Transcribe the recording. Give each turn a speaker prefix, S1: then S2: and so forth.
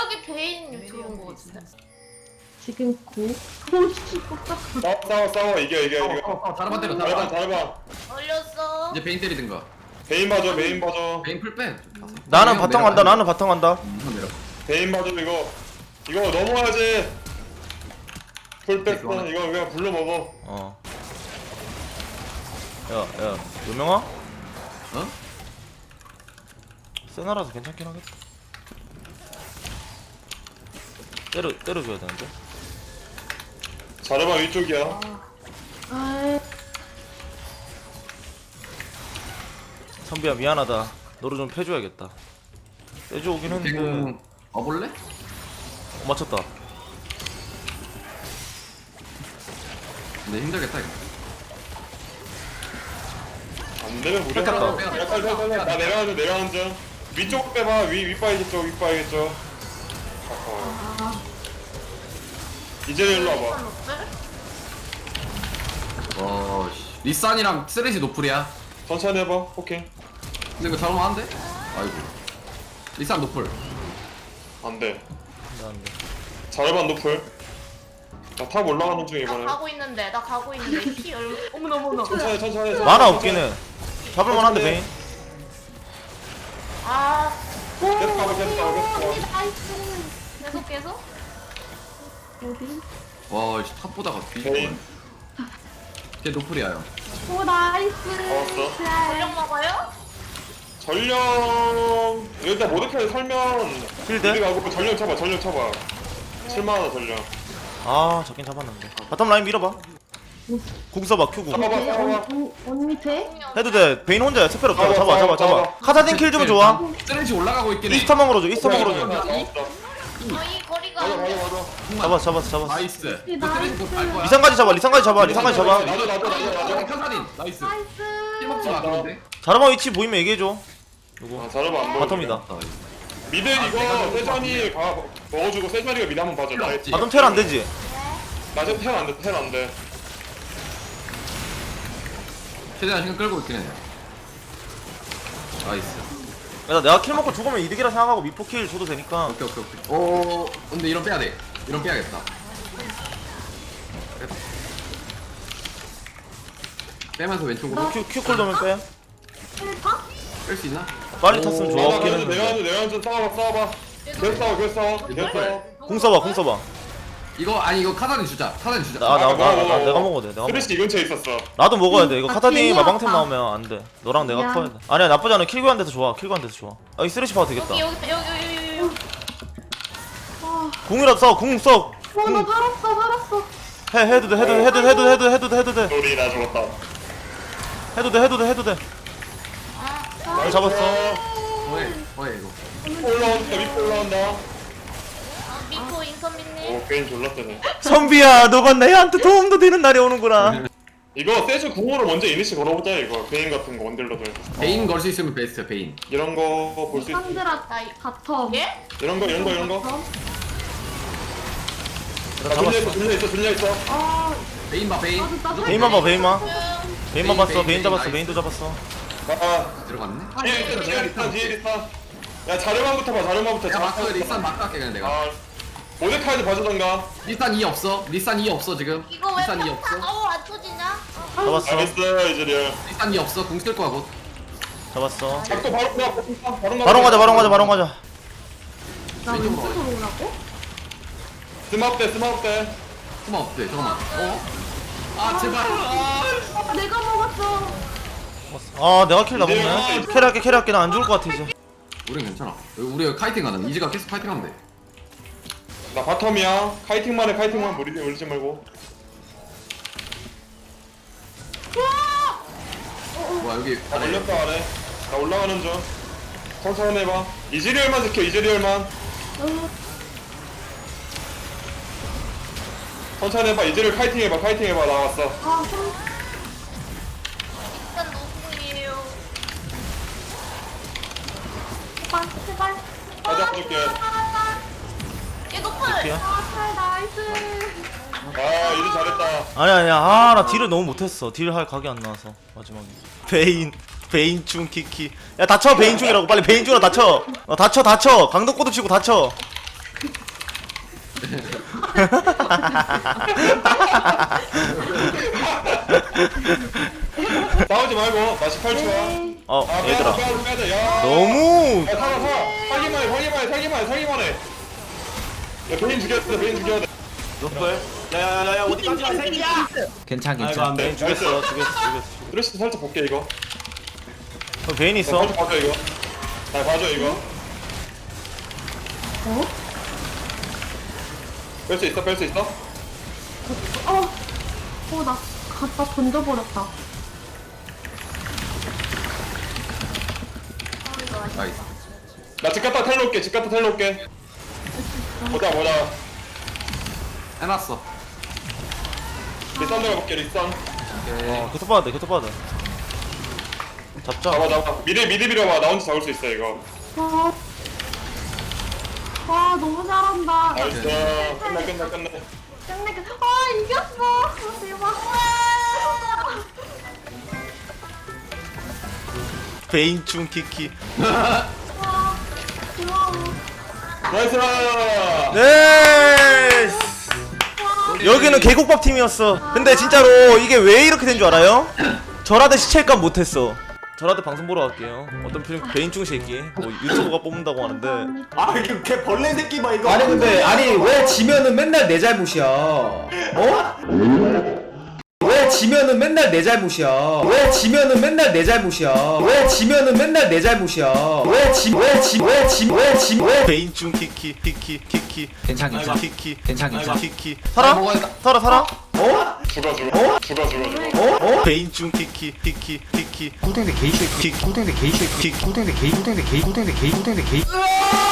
S1: 갑자기 베인 들어온 거 같은데.
S2: 지금 오씨 깜짝이야.
S3: 싸워 이겨.
S4: 다른 때려
S3: 잘해봐.
S1: 걸렸어.
S4: 이제 베인 때리든가.
S3: 베인 봐줘.
S4: 베인 풀 빼.
S5: 나는 바텀 간다. 나는 바텀 간다.
S4: 내려.
S3: 베인 봐줘. 이거 넘어야지. 풀백 이거 그냥 불러 먹어.
S5: 어. 야, 요명아?
S4: 어?
S5: 세나라서 괜찮긴 하겠다. 때려줘야 되는데.
S3: 잘해봐 위쪽이야.
S2: 아이
S5: 선비야 미안하다. 너를 좀 패줘야겠다. 빼줘 오긴 했는데.
S4: 베인 와볼래?
S5: 맞췄다.
S4: 근데 힘들겠다 이거.
S3: 안 되면 무리.
S5: 뺏겼다.
S3: 나 내려가는 중. 위쪽 빼봐. 윗바이겠죠. 이제 일로 와봐.
S4: 씨. 리산이랑 쓰레시 노플이야.
S3: 천천히 해봐. 오케이.
S4: 근데 이거 잘못 안 돼? 아이고. 리산 노플.
S3: 안 돼.
S5: 안 돼.
S3: 잘해봐 노플. 나 탑 올라가는 중 이번에.
S1: 나 가고 있는데 키 어머나.
S3: 천천히.
S5: 만화 없긴 해. 잡을만한데 베인.
S1: 아
S3: 계속 가봐.
S1: 계속.
S2: 어디?
S4: 와, 씨, 탑 보다가 뒤집어.
S3: 베인.
S4: 걔 노플이야 형.
S2: 오 나이스.
S3: 잡았어.
S1: 전력 먹어요?
S3: 전령 일단 모데카이 살면
S5: 필드?
S3: 우리 가고 전령 쳐봐. 7만원 전령.
S5: 아 잡긴 잡았는데. 바텀 라인 밀어봐. 궁 써봐 큐궁.
S3: 봐봐.
S2: 언 밑에?
S5: 해도 돼. 베인 혼자야. 스펠 없잖아. 잡아.
S3: 잡아.
S5: 카사딘 킬 주면 좋아.
S4: 쓰레시 올라가고 있긴 해.
S5: 이스타망으로 줘. 이스타망으로 줘.
S1: 저희 거리가 안 돼.
S5: 잡았어.
S4: 나이스. 쓰레시 곧갈 거야.
S5: 리상까지 잡아.
S3: 나도.
S4: 카사딘. 나이스.
S2: 나이스.
S4: 힐 먹지 마 그런데.
S5: 자르마 위치 보이면 얘기해줘. 누구?
S3: 잘해봐 안 보여.
S5: 바텀이다.
S3: 미드 이거 세전이 먹어주고 세전이가 미드 한번 봐줘. 나
S4: 없지.
S5: 바텀 텔 안 되지?
S3: 지금 텔 안 돼.
S4: 최대한 시간 끌고 있긴 해. 나이스.
S5: 야, 내가 킬 먹고 죽으면 이득이라 생각하고 미포 킬 줘도 되니까.
S4: 오케이. 오, 근데 이런 빼야 돼. 이런 빼야겠다. 빼면서 왼쪽으로
S5: 큐콜 도면 빼.
S2: 힐파?
S4: 뺄 수 있나?
S5: 빨리 탔으면 좋아. 없긴 했는데.
S3: 내가 좀 싸워봐. 계속 싸워.
S5: 궁 써봐.
S4: 이거 카사딘 주자.
S5: 내가 먹어도 돼.
S3: 쓰레쉬 이 근처에 있었어.
S5: 나도 먹어야 돼. 이거 카타딘
S2: 괜히
S5: 마방템
S2: 왔다.
S5: 나오면 안 돼. 너랑 내가
S2: 미안.
S5: 커야 돼. 아니야 나쁘지 않아. 킬교환 돼서 좋아. 아, 이 쓰레쉬 봐도 되겠다.
S1: 여기.
S5: 궁이라도 써. 궁 써.
S2: 나 살았어.
S5: 해도 돼.
S3: 우리 나 죽었다.
S5: 해도 돼. 잡았어.
S4: 뭐해 이거.
S3: 밑으로 올라온다.
S1: 미포 인선미님.
S3: 오 게임 졸라 세네.
S5: 선비야, 너가 내한테 도움도 되는 날이 오는구나.
S3: 이거 세주 궁으로 먼저 이니시 걸어보자 이거. 베인 같은 거 원딜러들.
S4: 베인 걸 수 있으면 베스트 베인.
S3: 이런 거 볼 수 있어.
S2: 상드라 바텀.
S1: 예?
S3: 이런 거.
S2: 바텀?
S3: 들려 있어.
S2: 아
S4: 베인 봐 베인.
S2: 나도
S5: 베인만 봐. 베인만 봤어.
S4: 베인,
S5: 베인 잡았어.
S4: 나이스.
S5: 베인도 잡았어.
S4: 들어갔네.
S3: 뒤에 리스타. 야 자르만부터 봐. 자르만부터.
S4: 야 마크 리산 마크 할게 그냥 내가.
S3: 아 모데카이드 봐주던가.
S4: 리산 2 없어. 리산 2 없어 지금.
S1: 이거 왜
S4: 리산 2
S1: 평타
S4: 없어.
S1: 안 터지냐?
S5: 잡았어.
S3: 알겠어 이제 리얼.
S4: 리산 2 없어. 궁 쓸 거야 곧.
S5: 잡았어.
S3: 작도 바로
S5: 바로 가자.
S2: 나 왼쪽으로 오라고?
S3: 스마트 때.
S4: 스마 없대. 잠깐만. 아 제발.
S2: 내가 먹었어.
S5: 아, 내가 킬 나먹네. 캐리할게. 나 안 죽을 것 같아 이제.
S4: 우린 괜찮아. 우리가 카이팅 가는. 이지가 계속 카이팅 하면 돼.
S3: 나 바텀이야. 카이팅만 물리지 말고.
S4: 와 여기
S3: 나 올렸다 아래. 나 올라가는 중. 천천히 해봐. 이즈리얼만 지켜. 천천히 해봐. 이즈리얼 카이팅 해봐. 나왔어.
S2: 아
S1: 일단 노궁이에요.
S2: 제발.
S3: 가자 줄게.
S1: 얘 노플.
S2: 아 나이스.
S3: 아 이즈 잘했다.
S5: 아니야. 아, 나 딜을 너무 못했어. 딜 할 각이 안 나와서 마지막에. 베인충 키키. 야 다쳐 베인충이라고. 빨리 베인충으로 다쳐. 다쳐. 강덕고도 치고 다쳐.
S3: 싸우지 말고 나 18초야.
S2: 네.
S5: 어
S3: 아
S5: 얘들아
S3: 빼야 야.
S5: 너무
S3: 야 살아. 사기만 해. 야 베인 죽여야 돼.
S6: 노플. 야야야야 어디까지 가 새끼야.
S4: 괜찮
S6: 아이고 안 돼.
S5: 죽였어.
S3: 드레스 살짝 볼게 이거.
S5: 베인 있어.
S3: 살짝 봐줘 이거. 잘 봐줘 이거.
S2: 어?
S3: 뺄 수 있어?
S2: 나 갖다 던져버렸다.
S4: 나이스.
S3: 나 집 갔다 텔로 올게. 보자.
S4: 해놨어.
S3: 리산 들어볼게 리산.
S4: 오케이.
S5: 교토 받아야 돼. 잡자.
S3: 잡아. 미리 밀어봐. 나 혼자 잡을 수 있어 이거.
S2: 와, 너무 잘한다.
S3: 나이스. 끝내.
S2: 끝내게. 이겼어. 대박.
S5: 베인 중 키키.
S2: 고마워.
S3: 나이스.
S5: 네. 여기는 계곡밥 팀이었어. 근데 진짜로 이게 왜 이렇게 된 줄 알아요? 절하대 시체값 못했어. 절하대 방송 보러 갈게요. 어떤 필름 베인 중 새끼. 뭐 유튜버가 뽑는다고 하는데.
S6: 아 이게 걔 벌레 새끼 봐 이거.
S7: 아니 근데 아니 왜 지면은 맨날 내 잘못이야? 어? 왜 지면은 맨날 내 잘못이야? 왜 지면은 맨날 내 잘못이야? 왜 지면은 맨날 내 잘못이야? 왜
S5: 베인 중 키키.
S4: 괜찮.
S5: 키키.
S4: 괜찮.
S5: 키키. 살아? 살아?
S3: 죽어.
S5: 베인 중 키키.
S7: 꿀땡대 게이쉐 꿀땡대 게이쉐 꿀땡대 게이